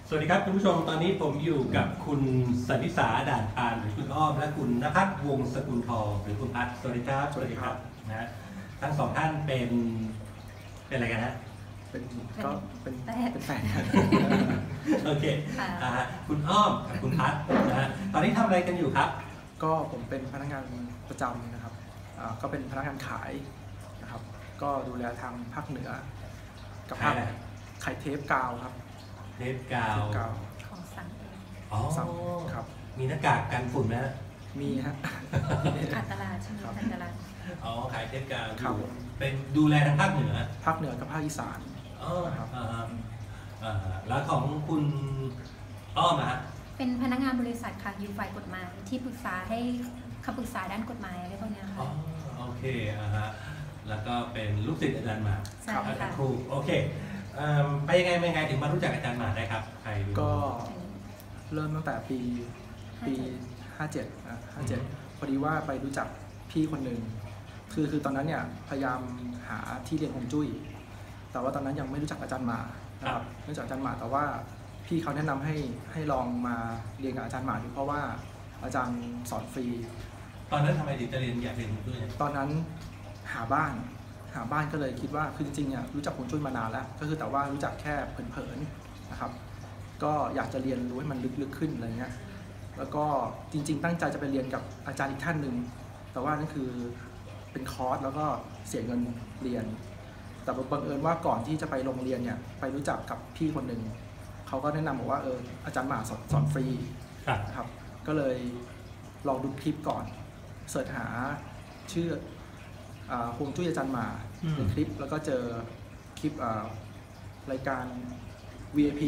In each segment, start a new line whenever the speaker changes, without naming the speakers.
สวัสดีครับคุณผู้ชมตอนนี้ผมอยู่กับคุณสันนิสาด่านพานหรือคุณอ้อมและคุณณภัทรวงศ์สกุลทองหรือคุณพัฒน์สวัสดีครับสวัสดีครับนะทั้งสองท่านเป็นอะไรกันฮะ
เป็นแฟนกัน
โอเคคุณอ้อมกับคุณพัฒน์นะฮะตอนนี้ทำอะไรกันอยู่ครับ
ก็ผมเป็นพนักงานประจำนะครับก็เป็นพนักงานขายนะครับก็ดูแลทางภาคเหนือกับภาคขายเทปกาวครับ
เทปกาว
ของสั่งเอง
อ๋อ
ครับ
มีหน้ากากกันฝุ่นไหม
มีฮะ
ขาดตลาดใช่ไหมขาดตลาด
อ๋อขายเทปกาวเป็นดูแลทางภาคเหนือ
กับภาคอีสาน
ครับแล้วของคุณอ้อมฮะ
เป็นพนักงานบริษัทค่ะอยู่ฝ่ายกฎหมายที่ปรึกษาให้คำปรึกษาด้านกฎหมายอะไรพวกนี้ค่ะ
โอเคแล้วก็เป็นลูกศิษย์อาจารย์หมาอาจารย์ครูโอเคไปยังไงถึงมารู้จักอาจารย์หมาได้ครับใคร
ก็เริ่มตั้งแต่ปี57พอดีว่าไปรู้จักพี่คนหนึ่งคือตอนนั้นเนี่ยพยายามหาที่เรียนฮวงจุ้ยแต่ว่าตอนนั้นยังไม่รู้จักอาจารย์หมานะครับไม่รู้จักอาจารย์หมาแต่ว่าพี่เขาแนะนำให้ลองมาเรียนกับอาจารย์หมาดูเพราะว่าอาจารย์สอนฟรี
ตอนนั้นทำไมถึงจะอยากเรียนฮวงจุ้ย
ตอนนั้นหาบ้านก็เลยคิดว่าคือจริงๆเนี่ยรู้จักฮวงจุ้ยมานานแล้วก็คือแต่ว่ารู้จักแค่เผินๆนะครับก็อยากจะเรียนรู้ให้มันลึกๆขึ้นอะไรเงี้ยแล้วก็จริงๆตั้งใจจะไปเรียนกับอาจารย์อีกท่านหนึ่งแต่ว่านั่นคือเป็นคอร์สแล้วก็เสียเงินเรียนแต่บังเอิญว่าก่อนที่จะไปโรงเรียนเนี่ยไปรู้จักกับพี่คนหนึ่งเขาก็แนะนำบอกว่าอาจารย์หมาสอนฟรีครับก็เลยลองดูคลิปก่อนเสิร์ชหาชื่อฮวงจุ้ยอาจารย์หมาในคลิปแล้วก็เจอคลิปรายการ VIP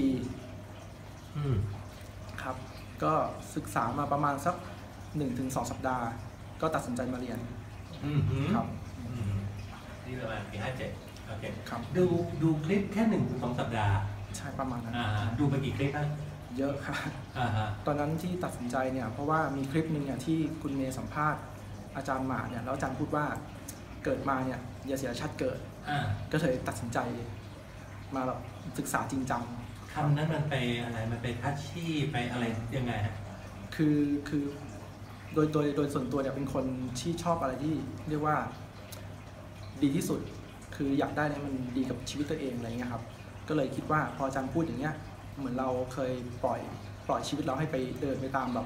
ครับก็ศึกษามาประมาณสัก 1-2 สัปดาห์ก็ตัดสินใจมาเรียนครับ
นี่ประมาณปี57โอเค
ครับ
ดูคลิปแค่ 1-2 สัปดาห์
ใช่ประมาณนั้น
ดูไปกี่คลิปนะ
เยอะค่ะตอนนั้นที่ตัดสินใจเนี่ยเพราะว่ามีคลิปหนึ่งเนี่ยที่คุณเมย์สัมภาษณ์อาจารย์หมาเนี่ยแล้วอาจารย์พูดว่าเกิดมาเนี่ยอย่าเสียชาติเกิดก็เลยตัดสินใจมาแบบศึกษาจริงจัง
คำนั้นมันไปอะไรมันไปทัชชี่ไปอะไรยังไงฮะ
คือโดยส่วนตัวเนี่ยเป็นคนที่ชอบอะไรที่เรียกว่าดีที่สุดคืออยากได้เนี่ยมันดีกับชีวิตตัวเองอะไรเงี้ยครับก็เลยคิดว่าพออาจารย์พูดอย่างเงี้ยเหมือนเราเคยปล่อยชีวิตเราให้ไปเดินไปตามแบบ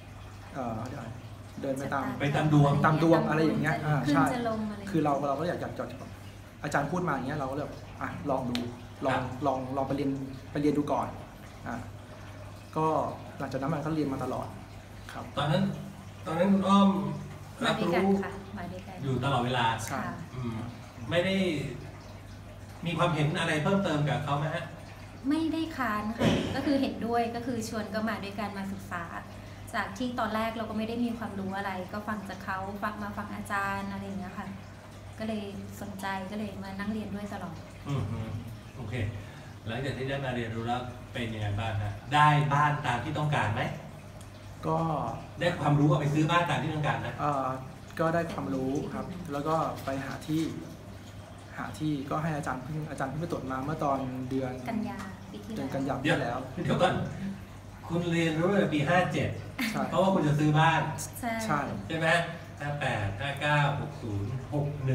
เดินไปตามดวงอะไรอย่างเงี้ยใช่คือเราก็อยากอาจารย์พูดมาอย่างเงี้ยเราก็เลยลองดูลองไปเรียนดูก่อนก็หลังจากนั้นมันก็เรียนมาตลอดครับ
ตอนนั้นคุณอ้อมรับรู้อยู่ตลอดเวลา
ใช่
ไม่ได้มีความเห็นอะไรเพิ่มเติมกับเขาไหมฮะ
ไม่ได้ค้านค่ะก็คือเห็นด้วยก็คือชวนก็มาด้วยกันมาศึกษาจากที่ตอนแรกเราก็ไม่ได้มีความรู้อะไรก็ฟังจากเขาฟังอาจารย์อะไรอย่างเงี้ยค่ะก็เลยสนใจก็เลยมานั่งเรียนด้วยตลอด
โอเคหลังจากที่ได้มาเรียนรู้แล้วเป็นยังไงบ้างฮะได้บ้านตามที่ต้องการไหม
ก็
ได้ความรู้เอาไปซื้อบ้านตามที่ต้องการนะ
ก็ได้ความรู้ครับแล้วก็ไปหาที่ก็ให้อาจารย์เพิ่งไปตรวจมาเมื่อตอนเดือน
กันยาปีที่
แล้ว
เดี๋ยวก่อนคุณเรียนรู้ในปี57เพราะว่าคุณจะซื้อบ้านใช่ไหม58 59 60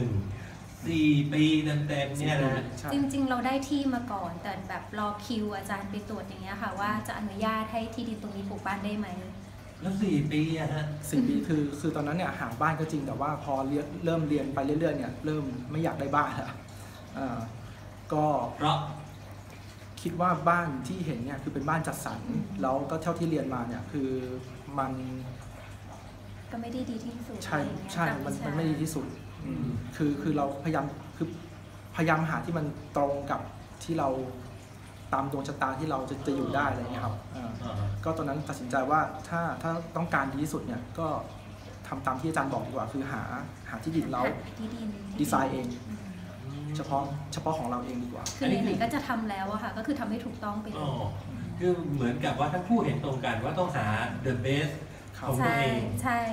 61 4 ปีเต็มๆเนี่ยนะ
จริงๆเราได้ที่มาก่อนแต่แบบรอคิวอาจารย์ไปตรวจอย่างเงี้ยค่ะว่าจะอนุญาตให้ที่ดินตรงนี้ปลูกบ้านได้ไหม
แล้ว4 ปีอะฮะ
4 ปีคือตอนนั้นเนี่ยหาบ้านก็จริงแต่ว่าพอเริ่มเรียนไปเรื่อยๆเนี่ยเริ่มไม่อยากได้บ้านแล้วก็
เพราะ
คิดว่าบ้านที่เห็นเนี่ยคือเป็นบ้านจัดสรรแล้วก็เท่าที่เรียนมาเนี่ยคือมัน
ก็ไม่ได้ดีที่สุด
ใช่มันไม่ดีที่สุดคือเราพยายามหาที่มันตรงกับที่เราตามดวงชะตาที่เราจะอยู่ได้อะไรเงี้ยครับก็ตอนนั้นตัดสินใจว่าถ้าต้องการดีที่สุดเนี่ยก็ทำตามที่อาจารย์บอกดีกว่าคือหาที่ดินแล้วดีไซน์เองเฉพาะของเราเองดีกว่า
คือไหนๆก็จะทำแล้วอะค่ะก็คือทำให้ถูกต้องไปเลย
คือเหมือนกับว่าทั้งคู่เห็นตรงกันว่าต้องหา the best ของตัวเอง
ใช่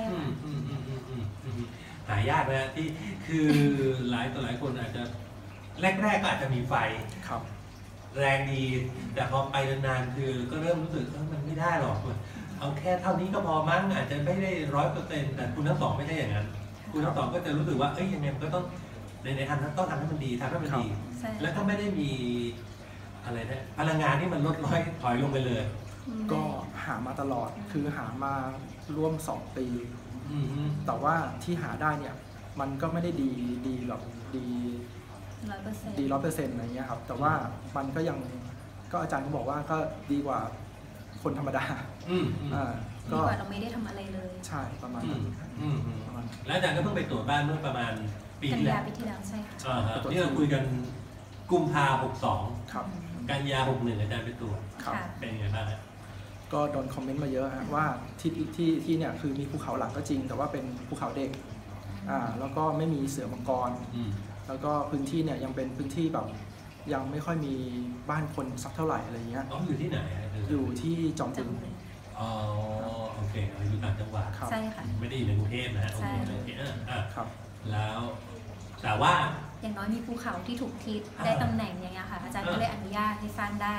หายากนะที่คือหลายคนอาจจะแรกๆก็อาจจะมีไฟ
ครับ
แรงดีแต่พอไปนานๆคือก็เริ่มรู้สึกมันไม่ได้หรอกเอาแค่เท่านี้ก็พอมั้งอาจจะไม่ได้100%แต่คุณทั้งสองไม่ใช่อย่างนั้นคุณทั้งสองก็จะรู้สึกว่ายังไงมันก็ต้องในทำต้องทำให้มันดีทำให้มันดี แล้วก็ไม่ได้มีอะไรนะพลังงานที่มันลดถอยลงไปเลย
ก็หามาตลอดคือหามาร่วม2 ปีแต่ว่าที่หาได้เนี่ยมันก็ไม่ได้ดีหรอกดี100%อะไรเงี้ยครับแต่ว่ามันก็ยังก็อาจารย์ก็บอกว่าก็ดีกว่าคนธรรมดา
ดีกว่าเราไม่ได้ทำอะไรเลย
ใช่ประมาณนั้น
แล้วอาจารย์ก็เพิ่งไปตรวจบ้านเมื่อประมาณปีที่แล้ว
ใช่ค่ะ
ที่เราคุยกันกุมภา62
ครับ
กันยา61อาจารย์ไปตรวจเป็นยังไงบ้าง
ก็โดนคอมเมนต์มาเยอะฮะว่าที่เนี่ยคือมีภูเขาหลังก็จริงแต่ว่าเป็นภูเขาเด็กแล้วก็ไม่มีเสือมังกรแล้วก็พื้นที่เนี่ยยังเป็นพื้นที่แบบยังไม่ค่อยมีบ้านคนสักเท่าไหร่อะไรเงี้ย
อยู่ที่ไหน
อยู่ที่จอมบึง
โอเคอยู่ต่างจังหวัด
ใช่ค่ะ
ไม่ได้อยู่ในกรุงเทพนะโอเค
ครับ
แล้วแต่ว่า
อย่างน้อยมีภูเขาที่ถูกทิศได้ตำแหน่งอย่างเงี้ยค่ะอาจารย์ก็เลยอนุญาตให้สร้างได้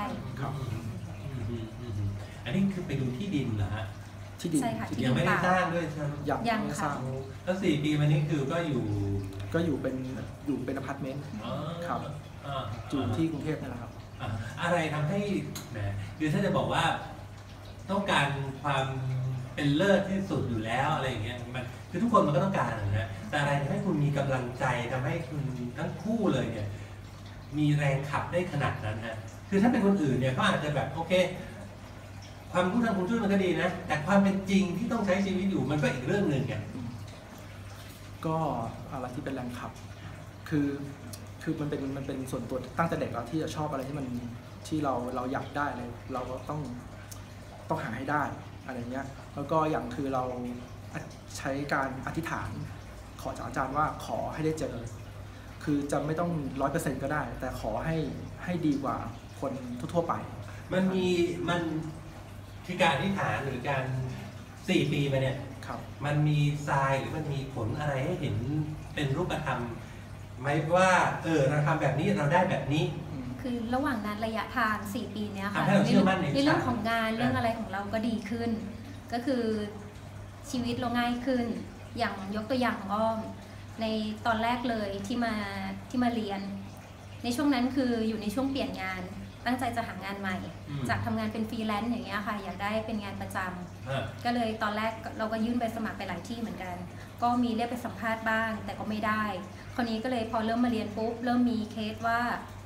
อันนี้คือไปดูที่ดินเหรอฮะ
ที่ดิน
ยังไม่ได้สร้างด้วยใช่ไหม
ยังไม่สร้าง
แล้ว4 ปีมานี้คือก็อยู่
เป็นอพาร์ตเมนต์ครับอยู่ที่กรุงเทพนี่แหละครับ
อะไรทำให้แหมคือถ้าจะบอกว่าต้องการความเป็นเลิศที่สุดอยู่แล้วอะไรอย่างเงี้ยมันคือทุกคนมันก็ต้องการนะแต่อะไรทำให้คุณมีกำลังใจทำให้คุณทั้งคู่เลยเนี่ยมีแรงขับได้ขนาดนั้นฮะคือถ้าเป็นคนอื่นเนี่ยก็อาจจะแบบโอเคความรู้ทางคุณช่วยมันก็ดีนะแต่ความเป็นจริงที่ต้องใช้ชีวิตอยู่มันก็อีกเรื่องหนึ่งไง
ก็อะไรที่เป็นแรงขับคือมันเป็นส่วนตัวตั้งแต่เด็กแล้วที่จะชอบอะไรที่มันที่เราอยากได้เลยเราก็ต้องหาให้ได้อะไรเงี้ยแล้วก็อย่างคือเราใช้การอธิษฐานขอจากอาจารย์ว่าขอให้ได้เจอคือจะไม่ต้อง100%ก็ได้แต่ขอให้ดีกว่าคนทั่วไป
มันที่การอธิษฐานหรือการ4 ปีมาเนี่ยมันมีทรายหรือมันมีผลอะไรให้เห็นเป็นรูปธรรมไหมว่าเราทำแบบนี้เราได้แบบนี้
คือระหว่างนั้นระยะทาง4 ปีเนี้ยค่ะ
ใน
เรื่องของงานเรื่องอะไรของเราก็ดีขึ้นก็คือชีวิตเราง่ายขึ้นอย่างยกตัวอย่างของอ้อมในตอนแรกเลยที่มาเรียนในช่วงนั้นคืออยู่ในช่วงเปลี่ยนงานตั้งใจจะหางานใหม่จากทำงานเป็นฟรีแลนซ์อย่างเงี้ยค่ะอยากได้เป็นงานประจำก็เลยตอนแรกเราก็ยื่นไปสมัครไปหลายที่เหมือนกันก็มีเรียกไปสัมภาษณ์บ้างแต่ก็ไม่ได้คราวนี้ก็เลยพอเริ่มมาเรียนปุ๊บเริ่มมีเคสว่า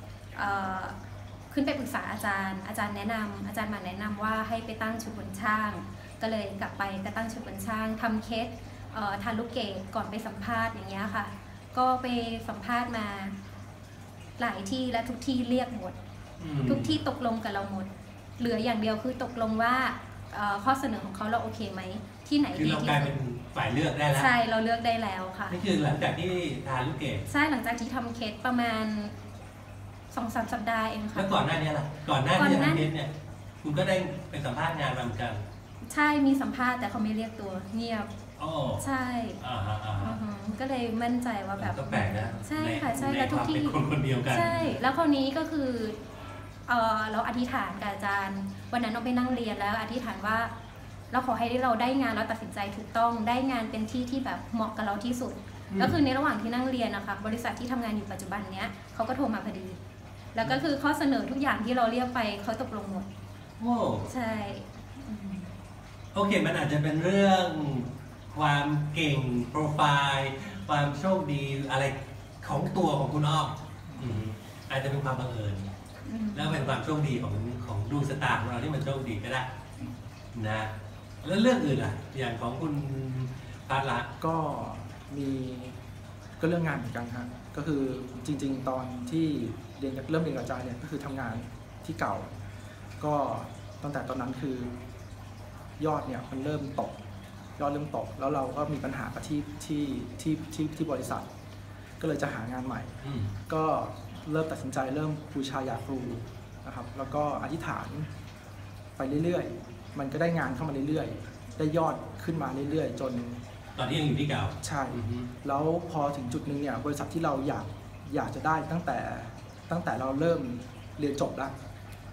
ขึ้นไปปรึกษาอาจารย์แนะนำอาจารย์มาแนะนำว่าให้ไปตั้งชุดบนช่างก็เลยกลับไปก็ตั้งชุดบนช่างทำเคสทานลูกเกดก่อนไปสัมภาษณ์อย่างเงี้ยค่ะก็ไปสัมภาษณ์มาหลายที่และทุกที่เรียกหมดทุกที่ตกลงกับเราหมดเหลืออย่างเดียวคือตกลงว่าข้อเสนอของเขาเราโอเคไหมที่ไหนดีที่สุด
คือเรากลายเป็นฝ่ายเลือกได้แล้ว
ใช่เราเลือกได้แล้วค่ะ
นี่คือหลังจากที่ทานลูกเกด
ใช่หลังจากที่ทำเคสประมาณ2-3 สัปดาห์เองค่ะ
แล้วก่อนหน้านี้ล่ะก่อนหน้าที่จะทำเคสเนี่ยคุณก็ได้ไปสัมภาษณ์งานมาเหมือนกัน
ใช่มีสัมภาษณ์แต่เขาไม่เรียกตัวเงียบใช่ก็เลยมั่นใจว่าแบบ
ก็แปลกนะ
ใช่ค่ะใช่แล้วทุกที่
คนเดียวกัน
ใช่แล้วคราวนี้ก็คือเราอธิษฐานกับอาจารย์วันนั้นเราไปนั่งเรียนแล้วอธิษฐานว่าเราขอให้เราได้งานเราตัดสินใจถูกต้องได้งานเป็นที่ที่แบบเหมาะกับเราที่สุดก็คือในระหว่างที่นั่งเรียนนะคะบริษัทที่ทำงานอยู่ปัจจุบันเนี้ยเขาก็โทรมาพอดีแล้วก็คือข้อเสนอทุกอย่างที่เราเรียกไปเขาตกลงหมดใช่
โอเคมันอาจจะเป็นเรื่องความเก่งโปรไฟล์ความโชคดีอะไรของตัวของคุณอ้อมอาจจะเป็นความบังเอิญแล้วเป็นความโชคดีของดวงชะตาของเราที่มันโชคดีก็ได้นะแล้วเรื่องอื่นล่ะอย่างของคุณพัทละ
ก็มีก็เรื่องงานเหมือนกันครับก็คือจริงๆตอนที่เริ่มเรียนกับอาจารย์เนี่ยก็คือทำงานที่เก่าก็ตั้งแต่ตอนนั้นคือยอดเนี่ยมันเริ่มตกแล้วเราก็มีปัญหากับที่บริษัทก็เลยจะหางานใหม่ก็เริ่มตัดสินใจเริ่มบูชาญาครูนะครับแล้วก็อธิษฐานไปเรื่อยๆมันก็ได้งานเข้ามาเรื่อยๆได้ยอดขึ้นมาเรื่อยๆจน
ตอนนี้ยังอยู่ที่เก่า
ใช่แล้วพอถึงจุดนึงเนี่ยบริษัทที่เราอยากจะได้ตั้งแต่เราเริ่มเรียนจบแล้ว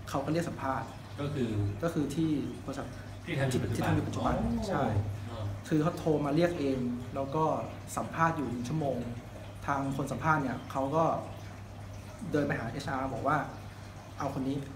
เขาก็เรียกสัมภาษณ์
ก็คือ
ที่บริษัท
ที่ทำอยู่ปัจจุบัน
ใช่คือเขาโทรมาเรียกเองแล้วก็สัมภาษณ์อยู่1 ชั่วโมงทางคนสัมภาษณ์เนี่ยเขาก็เดินไปหา HR บอกว่าเอาคนนี้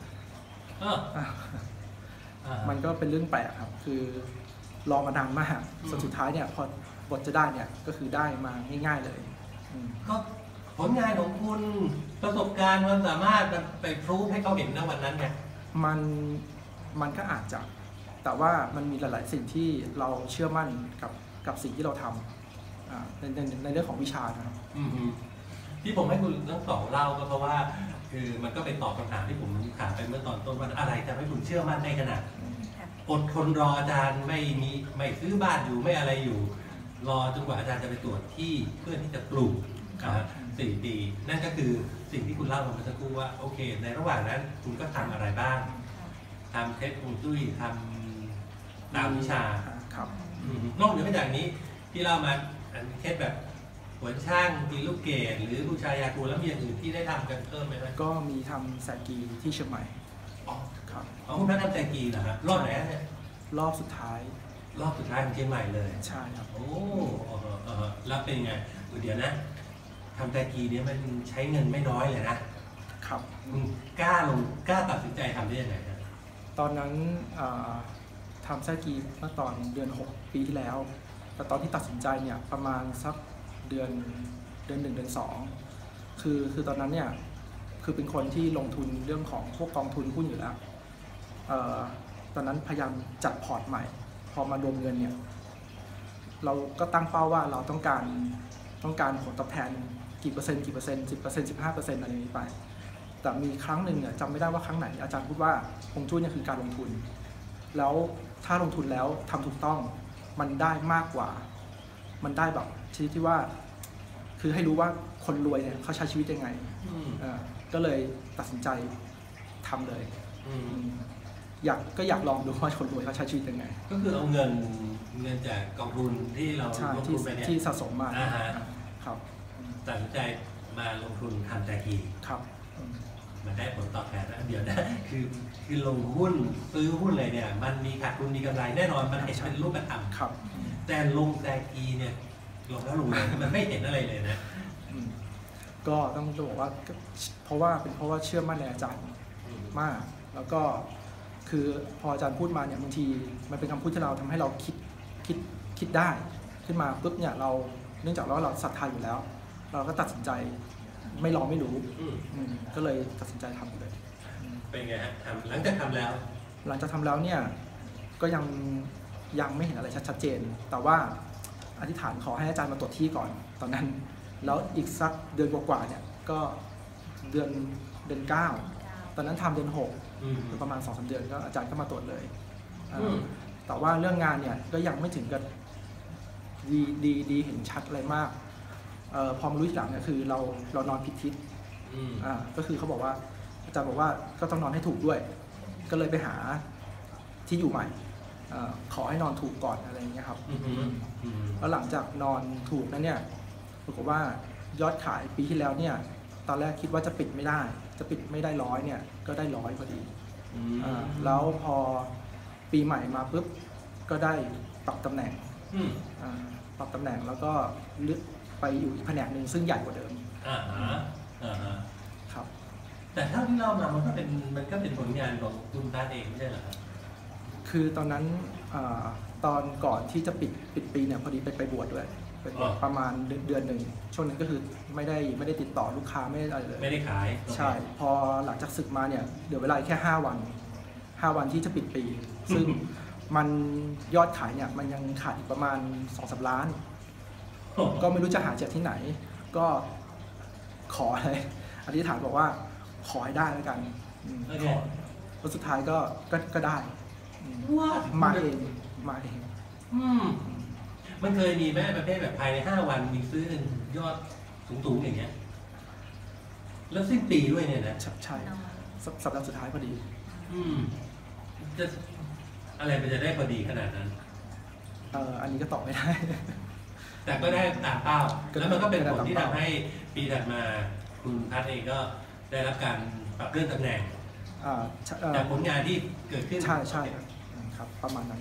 มันก็เป็นเรื่องแปลกครับคือรอมานานมากสุดท้ายเนี่ยพอบทจะได้เนี่ยก็คือได้มาง่ายๆเลย
ก็ผลงานของคุณประสบการณ์ความสามารถไปพรูฟให้เขาเห็นในวันนั้นไง
มันก็อาจจะแต่ว่ามันมีหลายๆสิ่งที่เราเชื่อมั่นกับสิ่งที่เราทำในเรื่องของวิชานะครับ
ที่ผมให้คุณทั้งสองเล่าก็เพราะว่าคือมันก็เป็นตอบคำถามที่ผมถามไปเมื่อตอนต้นว่าอะไรทำให้คุณเชื่อมั่นในขนาดอดทนรออาจารย์ไม่ซื้อบ้านอยู่ไม่อะไรอยู่รอจนกว่าอาจารย์จะไปตรวจที่เพื่อที่จะปลูก4 ปีนั่นก็คือสิ่งที่คุณเล่ามาเมื่อสักครู่ว่าโอเคในระหว่างนั้นคุณก็ทำอะไรบ้างทำเทสฮวงจุ้ยทำตามวิชา
ครับ
นอกเหนือจากนี้ที่เล่ามาเทสแบบหัวช่างตีลูกเกดหรือบูชายาคูแล้วมีอย่างอื่นที่ได้ทำกันเพิ่มไหมครับ
ก็มีทำแซกีที่เชียงใหม่
ครับคุณพัฒน์ทำแซกีเหรอครับรอบไหนเนี่ย
รอบสุดท้าย
ของเชียงใหม่เลย
ใช่ครับ
โอ้แล้วเป็นไงเดี๋ยวนะทำแซกีเนี่ยมันใช้เงินไม่น้อยเลยนะครับกล้าตัดสินใจทำได้ยังไงครับ
ตอนนั้นทำแซกีเมื่อตอนเดือน6 ปีที่แล้วแต่ตอนที่ตัดสินใจเนี่ยประมาณสักเดือน1 เดือน2คือตอนนั้นเนี่ยคือเป็นคนที่ลงทุนเรื่องของพวกกองทุนหุ้นอยู่แล้วตอนนั้นพยายามจัดพอร์ตใหม่พอมารวมเงินเนี่ยเราก็ตั้งเป้าว่าเราต้องการผลตอบแทนกี่เปอร์เซ็นต์ 10% 15% อะไรนี้ไปแต่มีครั้งหนึ่งเนี่ยจำไม่ได้ว่าครั้งไหนอาจารย์พูดว่าฮวงจุ้ยเนี่ยคือการลงทุนแล้วถ้าลงทุนแล้วทำถูกต้องมันได้มากกว่ามันได้แบบชนิดที่ว่าคือให้รู้ว่าคนรวยเนี่ยเขาใช้ชีวิตยังไงก็เลยตัดสินใจทำเลยอยากลองดูว่าคนรวยเขาใช้ชีวิตยังไง
ก็คือเอาเงินจากกองทุนที่เราลงทุนไปเนี่ย
ที่สะสมมาครับ
ตัดสินใจมาลงทุนทำแซกี
ครับ
มันได้ผลตอบแทนแล้วเดี๋ยวนะคือลงหุ้นซื้อหุ้นอะไรเนี่ยมันมีขาดทุนมีกำไรแน่นอนมันเห็นเป็นรูปธรรม
ครับ
แต่ลงแซกีเนี่ยลงแล้วลงเลยมันไม่เห็นอะไรเลยนะ
ก็ต้องบอกว่าเพราะว่าเชื่อมั่นในอาจารย์มากแล้วก็คือพออาจารย์พูดมาเนี่ยบางทีมันเป็นคำพูดที่เราทำให้เราคิดได้ขึ้นมาปุ๊บเนี่ยเราเนื่องจากเราศรัทธาอยู่แล้วเราก็ตัดสินใจไม่ลองไม่รู้ก็เลยตัดสินใจทำเลย
เป็นไงฮะหลังจากทำแล้ว
เนี่ยก็ยังไม่เห็นอะไรชัดเจนแต่ว่าอธิษฐานขอให้อาจารย์มาตรวจที่ก่อนตอนนั้นแล้วอีกสักเดือนกว่าเนี่ยก็เดือน9ตอนนั้นทำเดือน6ประมาณ 2-3 เดือนก็อาจารย์ก็มาตรวจเลยแต่ว่าเรื่องงานเนี่ยก็ยังไม่ถึงกับดีเห็นชัดอะไรมากพอมารู้ทีหลังเนี่ยคือเรานอนผิดทิศก็คือเขาบอกว่าอาจารย์บอกว่าก็ต้องนอนให้ถูกด้วยก็เลยไปหาที่อยู่ใหม่ขอให้นอนถูกก่อนอะไรอย่างเงี้ยครับแล้วหลังจากนอนถูกนั้นเนี่ยปรากฏว่ายอดขายปีที่แล้วเนี่ยตอนแรกคิดว่าจะปิดไม่ได้100เนี่ยก็ได้100พอดีแล้วพอปีใหม่มาปุ๊บก็ได้ปรับตำแหน่งแล้วก็ลึกไปอยู่อีกแผนกหนึ่งซึ่งใหญ่กว่าเดิมครับ
แต่เท่าที่เล่ามามันก็เป็นผลงานของคุณพัฒน์เองไม่ใช่เหรอครับ
คือตอนนั้นตอนก่อนที่จะปิดปีเนี่ยพอดีไปบวชด้วยไปบวชประมาณเดือนหนึ่งช่วงนั้นก็คือไม่ได้ติดต่อลูกค้าไม่ได้อะไรเลย
ไม่ได้ขาย
ใช่พอหลังจากศึกมาเนี่ยเดี๋ยวเวลาแค่5 วันที่จะปิดปีซึ่งมันยอดขายเนี่ยมันยังขาดอีกประมาณ 2-3 ล้านก็ไม่รู้จะหาจากที่ไหนก็ขอเลยอธิษฐานบอกว่าขอให้ได้แล้วกันแล้วสุดท้ายก็ได้มาเอง
มันเคยมีแม่ประเภทแบบภายใน5 วันมีซื้อยอดสูงอย่างเงี้ยแล้วสิ้นปีด้วยเนี่ยนะ
ใช่สัปดาห์สุดท้ายพอดี
จะอะไรมันจะได้พอดีขนาดนั้น
อันนี้ก็ตอบไม่ได้
แต่ก็ได้ตามเป้าแล้วมันก็เป็นผลที่ทำให้ปีถัดมาคุณพัฒน์เองก็ได้รับการปรับเลื่อนตำแหน่งจากผลงานที่เกิดขึ้น
ใช่ใช่ครับประมาณนั้น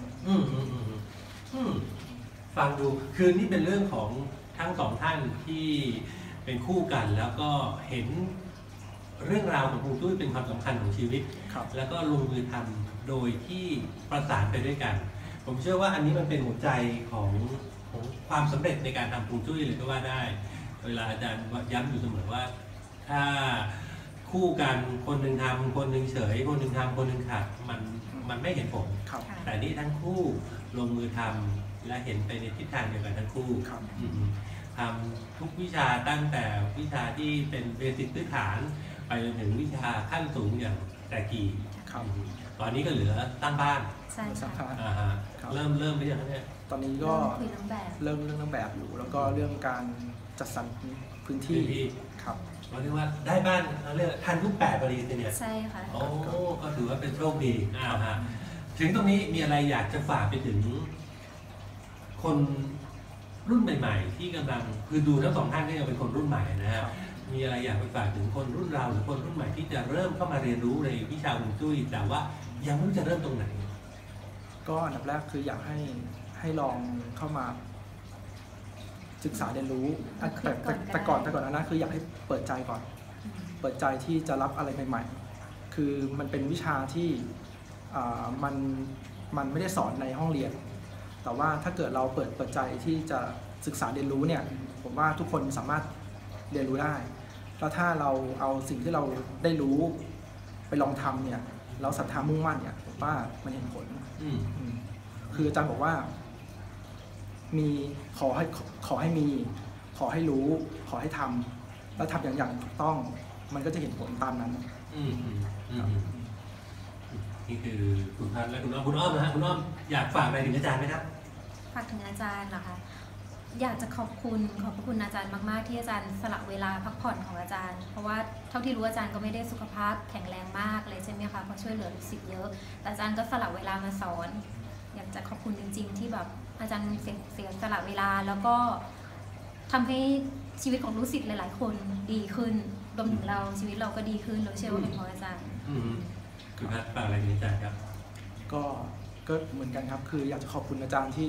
ฟังดูคือนี่เป็นเรื่องของทั้งสองท่านที่เป็นคู่กันแล้วก็เห็นเรื่องราวของฮวงจุ้ยเป็นความสำคัญของชีวิต
ครับ
แล้วก็ลงมือทำโดยที่ประสานไปด้วยกัน ผมเชื่อว่าอันนี้มันเป็นหัวใจของความสำเร็จในการทำฮวงจุ้ยเลยก็ว่าได้ เวลาอาจารย์ย้ำอยู่เสมอว่าถ้าคู่กันคนหนึ่งทำคนหนึ่งเฉยคนหนึ่งทำคนหนึ่งขัดมันไม่เห็นผล
ครับ
แต่นี่ทั้งคู่ลงมือทำและเห็นไปในทิศทางเดียวกันทั้งคู่
ครับ
ทำทุกวิชาตั้งแต่วิชาที่เป็นเบสิกพื้นฐานไปจนถึงวิชาขั้นสูงอย่างแต่กี
ครับ
ตอนนี้ก็เหลือตั้งบ้าน
ใช่ค่ะ
ฮะ
ครับ
เริ่มหรือยังครับเนี่ย
ตอนนี้ก็
คุยน้ำแบบ
เริ่มเรื่องนางแบบอยู่ แล้วก็เรื่องการจัดสรรพื้นที่
พื้นที่
ครับ
เราเรียกว่าได้บ้านเขาเรียกทันทุก8พอดีเลยเนี่ย
ใช่ค่ะ
โอ้ก็ถือว่าเป็นโชคดีฮะถึงตรงนี้มีอะไรอยากจะฝากไปถึงคนรุ่นใหม่ๆ ที่กำลังคือดูทั้งสองท่านก็ยังเป็นคนรุ่นใหม่นะฮะมีอะไรอยากไปฝากถึงคนรุ่นเราหรือคนรุ่นใหม่ที่จะเริ่มเข้ามาเรียนรู้ในวิชาฮวงจุ้ยแต่ว่ายังไม่รู้จะเริ่มตรงไหน
ก็อันดับแรกคืออยากให้ลองเข้ามาศึกษาเรียนรู้แต่ก่อนนะคืออยากให้เปิดใจก่อน เปิดใจที่จะรับอะไรใหม่ๆ คือมันเป็นวิชาที่มันไม่ได้สอนในห้องเรียน แต่ว่าถ้าเกิดเราเปิดใจที่จะศึกษาเรียนรู้เนี่ยผมว่าทุกคนสามารถเรียนรู้ได้แล้วถ้าเราเอาสิ่งที่เราได้รู้ไปลองทำเนี่ยเราศรัทธามุ่งมั่นเนี่ยผมว่ามันเห็นผล คืออาจารย์บอกว่ามีขอให้มีขอให้รู้ขอให้ทำแล้วทำอย่างถูกต้องมันก็จะเห็นผลตามนั้น
นี่คือคุณพัฒน์และคุณอ้อมนะฮะคุณอ้อมอยากฝากอะไรถึงอาจารย์ไหมครับ
ฝากถึงอาจารย์เหรอคะอยากจะขอบคุณอาจารย์มากๆที่อาจารย์สละเวลาพักผ่อนของอาจารย์ เพราะว่าเท่าที่รู้อาจารย์ก็ไม่ได้สุขภาพแข็งแรงมากเลยใช่ไหมคะเพราะช่วยเหลือลูกศิษย์เยอะแต่อาจารย์ก็สละเวลามาสอนอยากจะขอบคุณจริงๆที่แบบอาจารย์เสียสละเวลาแล้วก็ทำให้ชีวิตของลูกศิษย์หลายๆคนดีขึ้นรวมถึงเราชีวิตเราก็ดีขึ้นเราเชื่อว่าเป็นเพราะอาจารย์
คุณพัฒน์ฝากอะไรถึงอาจารย์ครับ
ก็เหมือนกันครับคืออยากจะขอบคุณอาจารย์ที่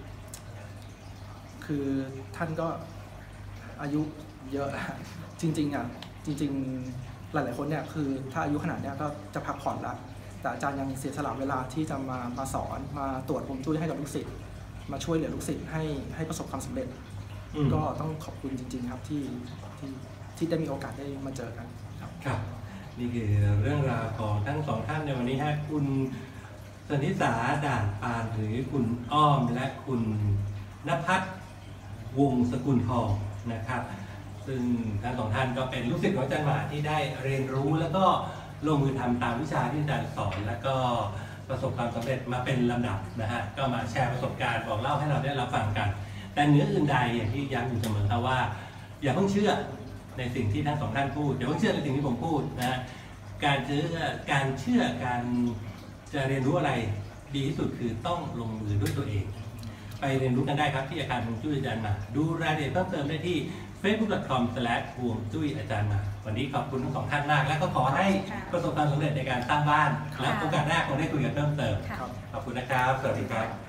คือท่านก็อายุเยอะแล้วจริงๆหลายๆคนเนี่ยคือถ้าอายุขนาดเนี้ยก็จะพักผ่อนแล้วแต่อาจารย์ยังเสียสละเวลาที่จะมาสอนมาตรวจฮวงจุ้ยให้กับลูกศิษย์มาช่วยเหลือลูกศิษย์ให้ประสบความสำเร็จก็ต้องขอบคุณจริงๆครับที่ได้มีโอกาสได้มาเจอกัน
ครับนี่คือเรื่องราวของทั้งสองท่านในวันนี้ฮะคุณสนิสาด่านปานหรือคุณอ้อมและคุณณภัทรวงศ์สกุลทองนะครับ ซึ่งทั้งสองท่านก็เป็นลูกศิษย์ของอาจารย์หมาที่ได้เรียนรู้แล้วก็ลงมือทำตามวิชาที่อาจารย์สอนแล้วก็ประสบความสำเร็จมาเป็นลำดับนะฮะก็มาแชร์ประสบการณ์บอกเล่าให้เราได้รับฟังกันแต่เหนืออื่นใดอย่างที่ย้ำอยู่เสมอครับว่าอย่าเพิ่งเชื่อในสิ่งที่ทั้งสองท่านพูดอย่าเพิ่งเชื่อในสิ่งที่ผมพูดนะฮะการเชื่อการจะเรียนรู้อะไรดีที่สุดคือต้องลงมือด้วยตัวเองไปเรียนรู้กันได้ครับที่อาคารฮวงจุ้ยอาจารย์หมาดูรายละเอียดเพิ่มเติมได้ที่ facebook.com/ฮวงจุ้ยอาจารย์หมาวันนี้ขอบคุณทั้งสองท่านมากและก็ขอให้ประสบความสำเร็จในการสร้างบ้านและโอกาสหน้าคงได้คุยกันเพิ่มเติมขอบคุณนะครับสวัสดีครับ